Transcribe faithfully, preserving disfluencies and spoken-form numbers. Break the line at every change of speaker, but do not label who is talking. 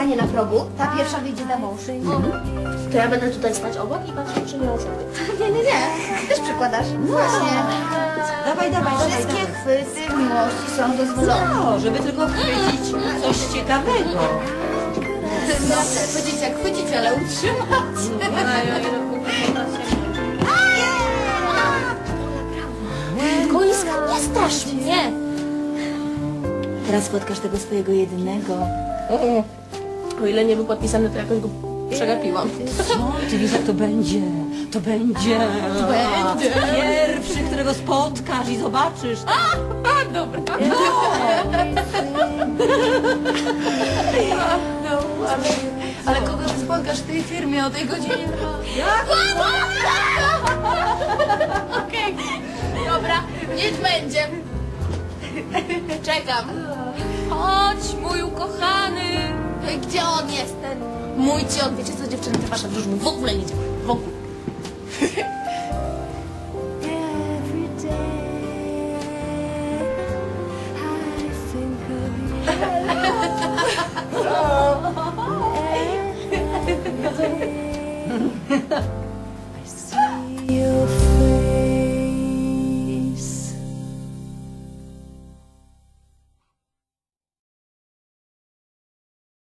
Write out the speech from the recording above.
stanie na progu, ta pierwsza wyjdzie za mąż.
To ja będę tutaj stać obok i patrzeć, czy nie ocenię.
Nie, nie, nie. Też przykładasz. Właśnie.
Dawaj, dawaj, dawaj,
Wszystkie
dawaj.
chwyty w miłości są dozwolone.
No, żeby tylko chwycić coś ciekawego.
Dobrze, chwycić jak chwycić, ale utrzymać.
Koiska, nie strasz mnie!
Teraz spotkasz tego swojego jedynego.
O ile nie był podpisany, to jakoś go przegapiłam.
Co? Ty wiesz, jak to będzie? To będzie.
Będzie.
Pierwszy, którego spotkasz i zobaczysz.
A, dobra.
No, ale, ale kogo ty spotkasz w tej firmie o tej godzinie?
Jak?
Okej, dobra, niech będzie. Czekam. Chodź, mój ukochany. Gdzie on jest ten mój ciot? Wiecie co, dziewczyny, te wasze wróżby w ogóle nie działa. W ogóle.